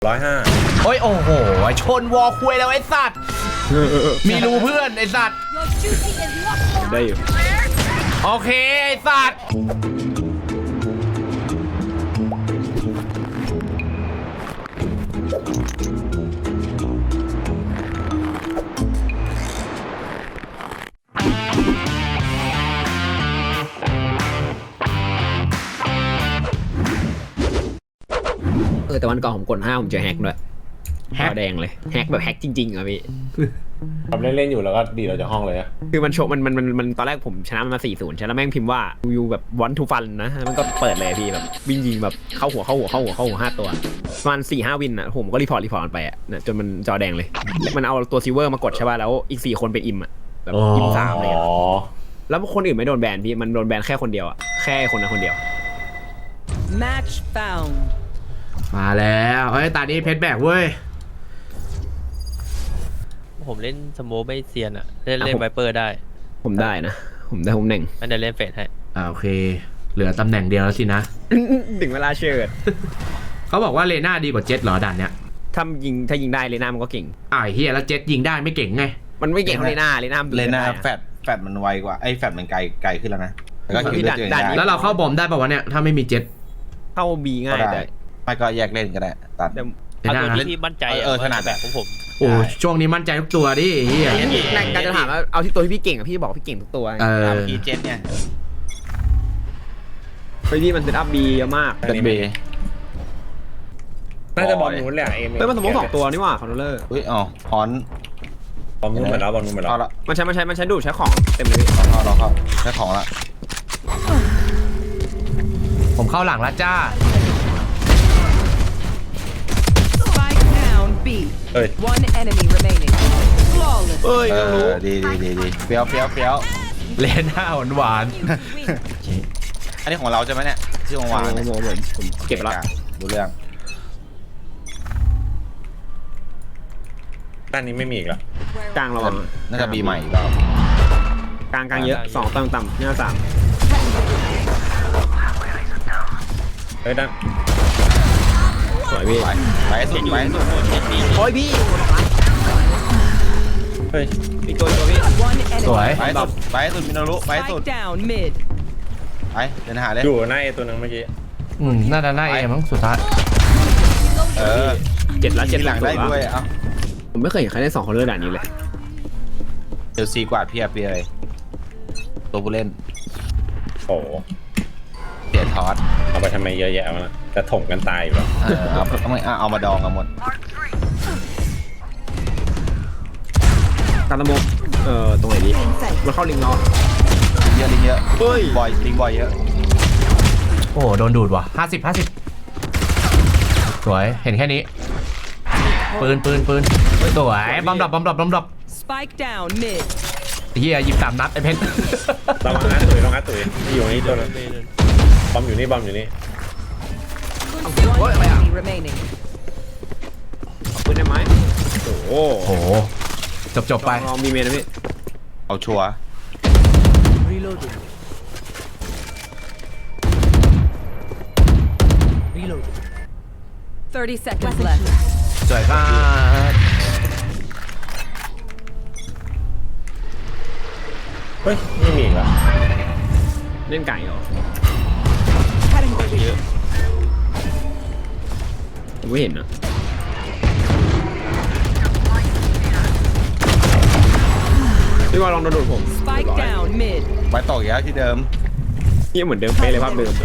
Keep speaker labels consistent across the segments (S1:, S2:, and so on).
S1: 105โอ้ยโอ้โหชนวอลคุยแล้วไอ้สัตว์มีรูเพื่อนไอ้สัตว์ได้อยู่โอเคไอ้สัตว์แต่วันก่อนผมกด5ผมเจอแฮกด้วยแฮกแดงเลยแฮกแบบแฮกจริงๆอ่ะพี่
S2: ทำเล่นๆอยู่แล้วก็ดีเราจากห้องเลยอะ
S1: คือมันโชว์มันตอนแรกผมชนะมันมา 4-0 ใช่แล้วแม่งพิมพ์ว่ายูแบบวันทูฟันนะมันก็เปิดเลยพี่แบบวิ่งยิงแบบเข้าหัว5 ตัวประมาณ 4-5 วินอ่ะผมก็รีพอร์ตมันไปอ่ะจนมันจอแดงเลยมันเอาตัวซิลเวอร์มากดใช่ป่ะแล้วอีก4 คนเป็นอิมอ่ะแบบอิม3เลยแล้วคนอื่นไม่โดนแบนพี่มันโดนแบนแค่คนเดียวอ่ะแค่คนนั้นคนเดียว
S3: Match found
S4: มาแล้วเฮ้ยตานี้เพชรแบกเว้ย
S5: ผมเล่นสโมไม่เซียนอะเล่นไวเปอร์ได้
S1: ผมได้นะผมได้ผมหนึ่ง
S5: มันจะเล่นเฟสให้
S4: โอเคเหลือตำแหน่งเดียวแล้วสินะ
S1: ถึงเวลาเชิด
S4: เขาบอกว่าเลน่าดีกว่าเจ็ตเหรอด่านเนี้ย
S1: ถ้ายิงได้เลน่ามันก็เก่ง
S4: เฮียแล้วเจ็ตยิงได้ไม่เก่งไง
S1: มันไม่เก่งเท่าเลน่า
S6: แฟดมันไวกว่าไอ้แฟดมันไกลขึ้นแล้วนะแล้วก็คิว
S1: ด่านนี้
S4: แล้วเราเข้าบอมได้ป่าวะเนี่ยถ้าไม่มีเจ็ต
S1: เข้าบีง่ายแต่
S6: ไม่ก็แยกเล่นก็ได้ตัด
S5: เอาตัวที่มั่นใจ
S6: ถนัด
S5: แบบของผม
S4: โอ้ช่วงนี้มั่นใจทุกตัวดิเฮีย
S1: การจะถามว่าเอาที่ตัวที่พี่เก่งพี่บอกพี่เก่งทุกตัว
S6: พี่เจ็ตเนี่ย
S1: พี่มันเซตอัพบีเยอะมาก
S6: เจ็ตบี
S2: น่าจะบอลนู้นแหละ
S1: มันสมมติ2 ตัวนี่หว่าคอนโทรลเลอร์
S6: ฮอน
S2: บอลนู้นเหมือนแล้ว
S1: มันใช้ดูดใช้ของเต็มเลย
S6: เราเข้าใช้ของละ
S4: ผมเข้าหลังแล้วจ้า
S3: One enemy remaining. Flawless.
S6: ดีเฟี้ยว
S4: เลน่าหวาน
S6: อันนี้ของเราใช่ไหมเนี่ยชื่อของวาง
S1: ผมเก็บแล้ว
S6: ดูเรื่อง
S2: ด้านนี้ไม่มีอีกแล้ว
S1: กลางระวัง
S6: น่าจะบีใหม่แล้ว
S1: กลางเยอะ2ต่ำเนี่ย3
S2: เฮ้ยด้าน
S1: สวยพี่
S6: ไปสุด
S1: โอ้ยพี่
S2: เฮ้ย
S1: อีกตัวพี่
S4: สวย
S6: ไปสุดมินารุไปสุด
S3: down mid
S6: ไปเดินหาเลย
S2: อยู่หน้าตัวนึงเมื่อกี้
S4: น่าจะหน้ามั้งสุดท้าย
S1: 7
S6: หลังได้ด้วย
S1: ผมไม่เคยเห็นใครได้2คนเลือดด่านนี้เลย
S6: เดี๋ยว4 กว่าเพียเลยตัวผู้เล่น
S2: โอ้
S6: เปลี่ยนทอส
S2: เอาไปทำไมเยอะแยะมาจะถมกันตายอยู่แล้ว
S6: เอามาดองกันหมด
S1: ตามตะมกตรงไหนดีมันเข้าลิงเนาะ
S6: ลิงเยอะเฮ้ยลิงบอยเยอะ
S4: โอ้โดนดูดว่ะ50สวยเห็นแค่นี้ปืนสวยบอมดับ
S3: Spike down mid
S4: เฮียหยิบ3 นัดไอ้เพชร
S2: ระวังนะตุ๋ยอยู่นี่ตัวนึงบอมอยู่นี่
S3: One enemy remaining
S1: ปืนได้ไหม
S4: โอ้โหจบไป
S1: ลองมีเมนนะพี่
S6: เอาชัวร์
S3: Reloading 30 seconds left
S4: สวยครับ
S2: เฮ้ยไม่มีอีกแล้ว
S1: เล่นไก่เหรอ
S2: เยอะ
S1: ผมไม่เห็นนะพี่ว่าลองโดนผม
S3: Spike down mid
S6: ไว้ต่ออีกแล้วที่เดิม
S1: นี่เหมือนเดิมเป๊ะเลยภาพเดิม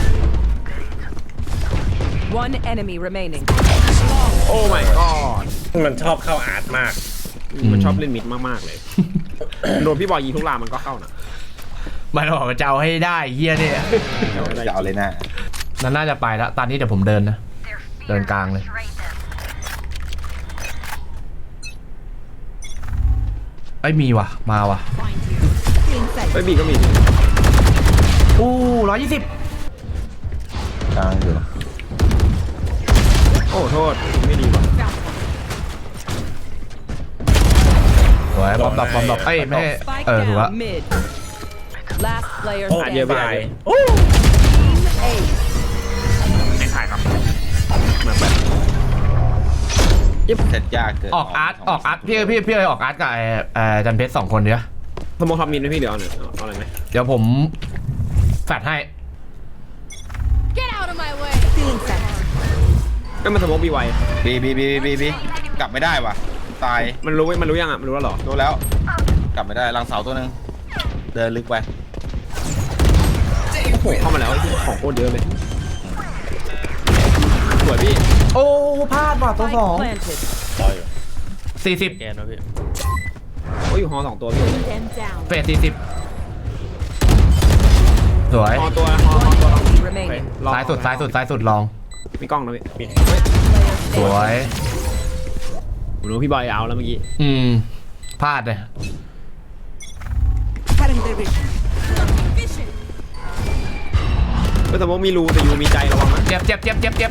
S3: One enemy remaining
S1: โอ้ my god
S2: มันชอบเข้าอาร์ตมาก
S1: มันชอบเล่นมิดมากๆเลยโดนพี่บอยยิงทุกรางมันก็เข้านะ
S4: มันบอกว่าจะเอาให้ได้เฮียเนี่ย
S6: จะเอาเลยนะ
S4: นั่นน่าจะไปแล้วตอนนี้เดี๋ยวผมเดินนะเดินกลางเลยมีว่ะมาว่ะ
S1: บีก็มี
S4: 120
S6: กลางอยู่
S1: โอ้โทษไม่ดีว่ะ
S4: สวยบอมดับไม่ถูกละ
S3: Last player
S1: เยอะไป
S3: Team A
S1: ไม่ถ่ายครับมาแบบ
S6: เสร็จยากเกิน
S4: ออกอาร์ตพี่เลยออกอาร์ตกับจันเพชร2 คนเดียว
S1: สโมคทอมมินนะพี่เดี๋ยวเอาหน่อยเอาอะไรไหม
S4: เดี๋ยวผมแฟดให้
S7: Get out of my way.
S1: ก็มันสโมคบีไว
S6: บีกลับไม่ได้ว่ะตาย
S1: มันรู้ยังอ่ะมันรู้แล้วเหรอ
S6: โดนแล้ว กลับไม่ได้หลังเสาตัวหนึงเดินลึกไป
S1: โอ้โหเข้ามาแล้วของโคตรเยอะเลยสวยพี่
S4: โอ้พลาดว่ะตัว
S3: Spike planted.
S2: รออยู่
S4: 2
S5: แกนนะพี่
S1: โอ้ยอยู่ฮอ2ตัวพี่
S7: Them down.
S4: 40เฟส40สวย
S1: ฮอตัวฮอตัว
S3: Enemy
S1: โอเค
S3: remaining.
S4: ซ้ายสุดลอง
S1: มีกล้องนะพี่
S4: สวย
S1: ผมรู้พี่บอยเอาแล้วเมื่อกี้
S4: พลาดเลย
S1: ก็สโมคมีรูแต่ยูมีใจระวังนะ
S4: เจ็บ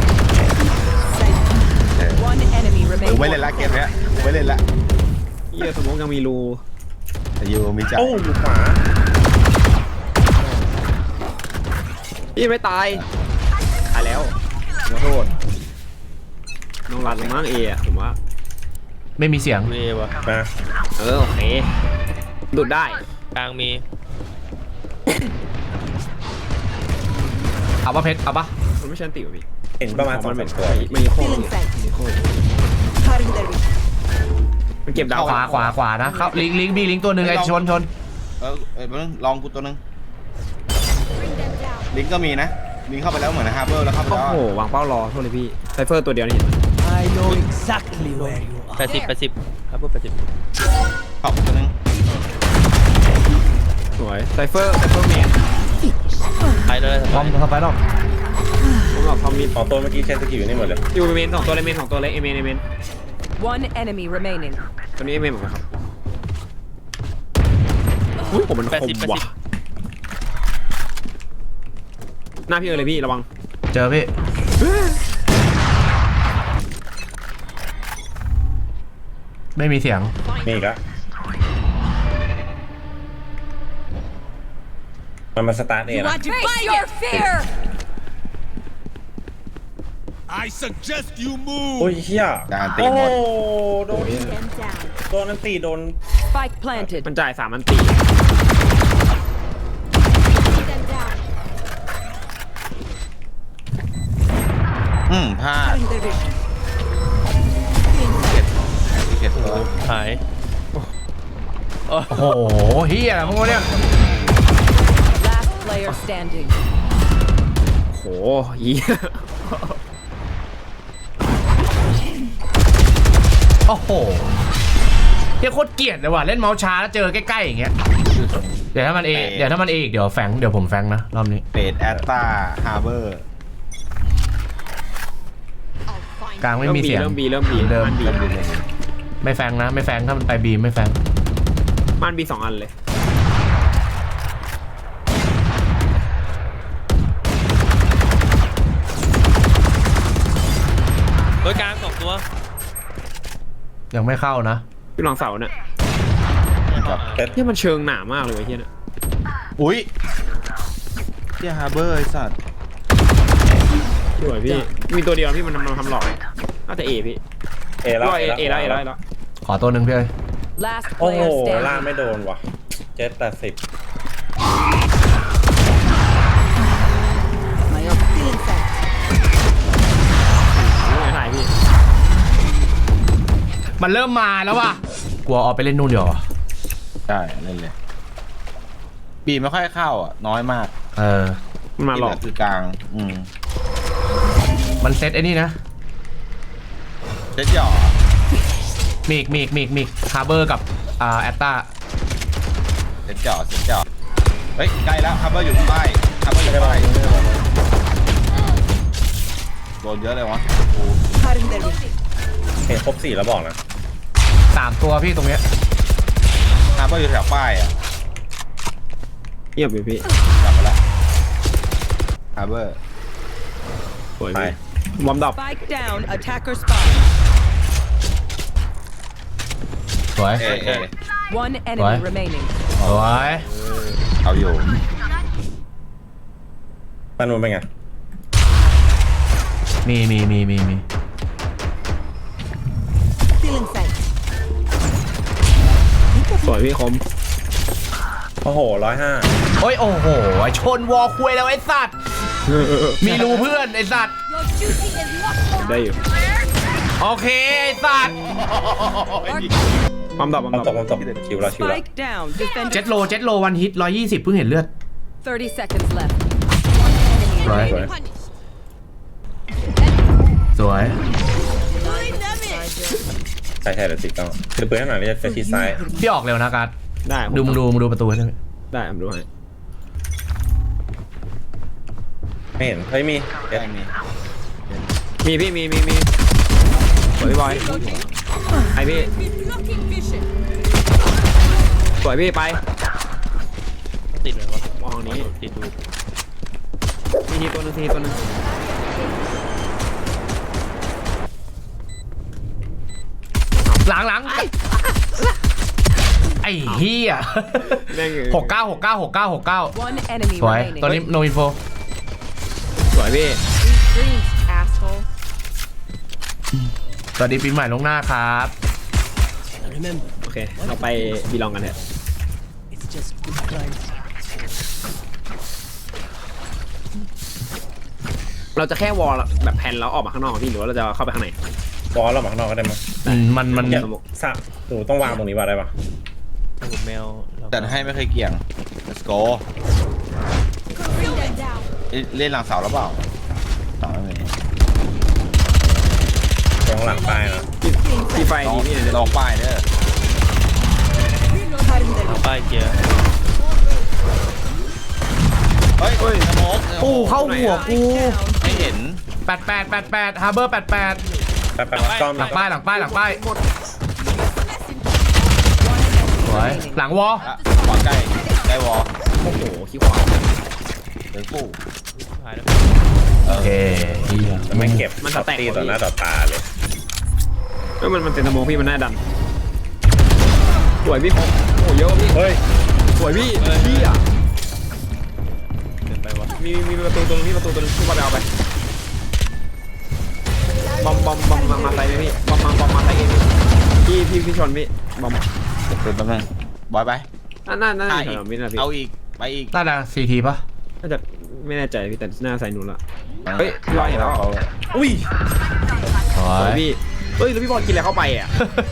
S3: One enemy
S6: กูไม่
S3: remaining.
S6: เล่นละเกมเนี้ยกูไม่เล่นละ
S1: เฮียสโมคยังมีรู
S6: แต่ยูมีใจ
S2: โอ้อยู่ขวา
S1: พี่ไม่ตายตายแล้วขอโทษน้องรัดลงมั้งเอะผมว่า
S4: ไม่มีเสียง
S5: เววะ
S2: มา
S1: โอเคดูดได้
S5: กลางมี
S4: เอาปะเพชรเอาปะ
S1: มันไม่ใช่อันติวะพี่
S2: เห็นประมาณ2-3ตัว
S1: มันมีโค้งมีโค้งมันเก็บดาว
S4: ขวานะเข้าลิงบีลิงตัวหนึ่งไอ้ชน
S6: มึงลองกูตัวหนึงลิงก์ก็มีนะลิงก์เข้าไปแล้วเหมือนฮาร์เบอร์แล้วเข้าไป
S1: โอ้
S6: แล้ว
S1: โหวางเป้ารอโทษเลยพี่ไซเฟอร์ตัวเดียวนี่เห็นไหม
S5: 80ครับพวก80
S6: ขอบตัวหนึง
S1: สวยไซเฟอร์แมน
S5: ไปเลย
S4: บอมเข้าไปหรอก
S1: ผมบอกทอมมิน
S2: 2 ตัวเมื่อกี้ใช้สกิลอยู่นี่หมดเลย
S1: อยู่เมน2 ตัวเลยเมน2 ตัวเลยเอเมน
S3: One enemy remaining.
S1: ตัวนี้เอเมนเหมือนกันครับอุ้ยผมมันคมว่ะหน้าพี่เลยพี่ระวัง
S4: เจอพี่ไม่มีเสียง
S2: นี่อีกแล้วมันมาสตาร์ทเองนะ
S7: Face your fear.
S8: I suggest you move.
S2: โอ้ยเฮีย
S6: การตี
S2: โอ้
S6: หมด
S2: โดน
S7: Them down.
S2: โดนนันตีโดน
S3: Spike planted.
S1: มันจ่าย3 อันตี
S7: Them down.
S6: พลาดเก็บตัว
S5: หาย
S4: โอ้โหเฮียอะไรพวกเนี่ย
S3: Last player standing.
S1: โหยี
S4: โอ้โหเฮียโคตรเกลียดเลยว่ะเล่นเมาส์ช้าแล้วเจอใกล้ๆอย่างเงี้ยเดี๋ยวถ้ามันเอกเดี๋ยวผมแฟงนะรอบนี้
S6: เบดแอตตาฮาร์เบอร์
S4: กลางไม่มีเสียง
S1: เริ่มบี
S4: เดิม
S1: มันบี
S4: ไม่แฟงนะไม่แฟงถ้ามันไปบีไม่แฟง
S1: มันบี2 อันเลย
S5: เฮ้ยกลาง2 ตัว
S4: ยังไม่เข้านะ
S1: พี่ลองเสาเนี่ย
S2: เป็ด
S1: เนี่ยมันเชิงหนามากเลยไอ้เฮียเนี่ย
S6: อุ้ยเที่ยฮาร์เบอร์ไอสัตว์
S1: สวยพี่มีตัวเดียวพี่มันทำหลอกน่าจะเอพี่
S2: เอแล้ว
S1: เอแล้ว
S4: ขอตัวหนึ่งพี่เอ้ย
S3: Last
S2: โอ้โห
S3: player
S2: ล่าง
S3: standing.
S2: ไม่โดนว่ะ70
S1: ไม่ถ่ายพี่
S4: มันเริ่มมาแล้วว่ะกลัวออกไปเล่นนู่นเดี๋ยวา
S6: ใช่เล่นเลยบีไม่ค่อยเข้าอ่ะน้อยมาก
S1: มันมาหลอก
S6: ที่เลืคือกลาง
S4: มันเซตไอ้นี่นะ
S6: เจ็ดหยอ
S4: มีกฮาร์เบอร์กับแอตตา
S6: เจ็ดหยอเฮ้ยใกล้แล้วฮาร์เบอร์อยู่ป้ายฮาร์เบอร์อยู่ป้ายโดนเยอะเลยวะ
S2: เห็นครบ4แล้วบอกนะ
S4: 3 ตัวพี่ตรงเนี้ย
S6: ฮาร์เบอร์อยู่แถวป้ายอ่ะ
S1: เงียบเลยพี่
S6: กลับมาแล้วฮาร์เบอร์
S1: สวย
S2: ไป
S1: พี่บอมดับ
S3: Spike down. Attacker spot.
S4: สวย
S6: เอ
S3: One enemy
S4: What?
S3: remaining.
S4: สวย
S6: เอาอยู่
S2: ปานูนเป็นไง
S4: มี
S1: วยพี่คม
S2: โอ้โห105
S4: โอ้ยโอ้โหไอ้ชนวอลคุยแล้วไอ้สัตว์ มีรูเพื่อนไอ้สัตว์
S7: Your duty is locked
S1: ได้อยู่
S4: โอเคไอ้สัตว์
S1: ปั๊มดอกปั๊ม
S2: ความ
S1: ดอก
S2: ตกชิวแล้ว
S3: Spike down.
S4: เจ็
S3: Defender.
S4: ดโลวันฮิต120เพิ่งเห็นเลือด
S3: 30 seconds left.
S4: สวย
S2: สวย
S7: punished.
S4: สวย
S7: Pulling them in.
S2: ใช่เดี๋ยวติดกล้องคือปืนข้างหลังนี่จะชิดซ้าย
S4: พี่ออกเร็วนะการ์ด
S1: ได้
S4: มึงดูประตูให้ด้วย
S1: ได้ผมดูให้
S2: ไม่เห็นเฮ้ยมี
S6: แกล้งมี
S1: มีพี่มีสวยพี่บอยไอพี่
S7: Blocking vision.
S1: สวยพี่ไป
S5: ต้องติดเลยวะ
S1: มองนี้
S5: ติดดู
S1: ทีตัวหนึงทีตัวหนึง
S4: หลังไอ้เฮีย
S1: แม่ง
S4: 69
S3: One enemy
S4: สวย
S3: remaining.
S4: ตอนนี้โนอินโฟ
S1: สวยพี่
S7: Sweet dreams, asshole.
S4: สวัสดีปีใหม่ลวงหน้าครับ
S1: โอเคเราไปบีลองกันเถอะเราจะแค่วอลแบบแผ่นแล้วออกมาข้างนอกพี่หรือว่าเราจะเข้าไปข้างใน
S2: บอลเราหมักนอกก็ได้มั้ง
S4: มัน
S2: อย่าสะหนูต้องวางตรงนี้ว่าได้ปะ
S5: ผมแมวเรา
S6: แต่ให้ไม่เคยเกี่ยง let's go
S7: Bring them down.
S6: เล่นหลังเสาแล้วเปล่าเสาไม่มี
S2: ตรงหลังป้ายนะ
S1: พี่ไฟ
S6: ลอง
S1: ดีพี่เนี่ย
S6: ลองป้ายเด้อ
S5: เอาป้ายเกียร์
S6: เฮ้ยสโมก
S4: ปูเข้าหัวกู
S6: ไม่เห็น
S4: 88ฮาร์เบอร์88
S2: แป๊บซ่อม
S4: หลังป้ายสวยหลังวอ
S6: อ่ะขวาใกล้วอล
S1: โอ้โหขี้ขวา
S6: เดินกู้
S5: หายแล้ว
S4: โอเคเฮีย
S2: ไม่เก็บตีต่อหน้าต่อตาเลย
S1: มันเต็มสมองพี่มันน่าดันสวยพี่คมโอ้เยอะพี่
S2: เฮ้ย
S1: สวยพี่พี่อ่ะ
S5: เกินไปวะ
S1: มีประตูตรงนี้ประตูตรงนี้พี่บอลไปเอาไปบอมมาใส่ไหมพี่บอมมาใส่เองพี่ชนพี่บอม
S6: ตื่นแป๊บนึงบอยไป
S1: น่า
S6: อ่ะ
S1: จะ
S6: อีก
S1: วินาที
S6: เอาอีกไปอีก
S4: น่าจะ4 ทีป่ะ
S1: น่าจะไม่แน่ใจพี่แต่หน้าใส่หนูละเฮ้ยพี่บอลเห็นแล้วอุ้ย
S4: สว
S1: สวย
S4: ย
S1: พี่เฮ้ยแล้วพี่บอลกินอะไรเข้าไปอ่ะ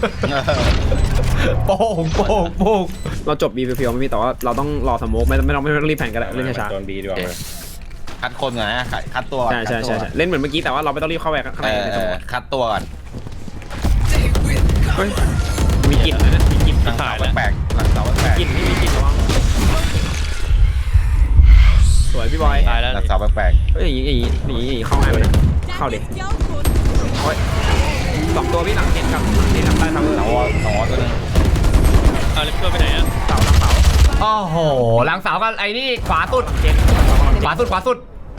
S4: โป่ง
S1: เราจบบีเพียวๆไม่มีแต่ว่าเราต้องรอสโมกไม่ต้องรีบแผ่นกันแล้วเล่นช้า
S2: โดนบีดีกว่า
S6: คัดคนก่อนนะคัดตัวก่อน
S1: ใช่เล่นเหมือนเมื่อกี้แต่ว่าเราไม่ต้องรีบเข้าไปข้างในในสโมก
S6: คัดตัวก่อน
S1: เฮ้ยมีกลิ่นนะมีกลิ่น
S6: หลังเสาแปลกๆหลังเสาแปลก
S1: กลิ่นนี่มีกลิ่นระวังสวยพี่บอย
S5: ตายแล้ว
S6: หลังเสาแปลก
S1: เฮ้ยอย่างนี้เข้าง่ายเลยเข้าดิ
S7: That is down good.
S1: โอ้ย2 ตัวพี่หลังเห็นกับหลังเห็นกับใต้ทาง
S6: ๆหลังวอตัวนึง
S5: เอาเลปเปอร์ไปไหนอ่ะ
S1: เสา
S4: โอ้โหหลังเสากันไอ้นี่ขวาสุดขวาสุด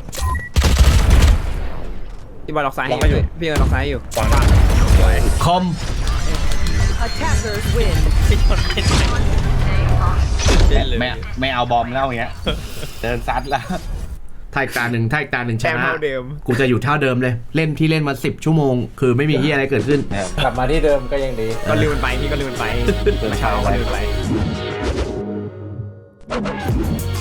S1: พี่บอยล็อกซ้ายให้อยู่พี่บอยล็อกซ้ายอยู่
S2: วาง
S4: คอม
S3: Attackers win.
S5: พี่ชนเล่นเล่นเลย
S6: ไม่เอาบอมแล้วอย่างเงี้ยเดินซัดแล้ว
S4: ถ้าอีกตาหนึ่งช
S1: แต้ม
S4: นะ
S1: เท่าเดิม
S4: กูจะอยู่เท่าเดิมเลย เล่นที่เล่นมา10 ชั่วโมง คือไม่มีที่อะไรเกิดขึ้น
S2: กลับมาที่เดิมก็ยังดี
S1: ก็ลืมมันไปพี่ก็ลืมมันไปเช้าก็ลืมมันไป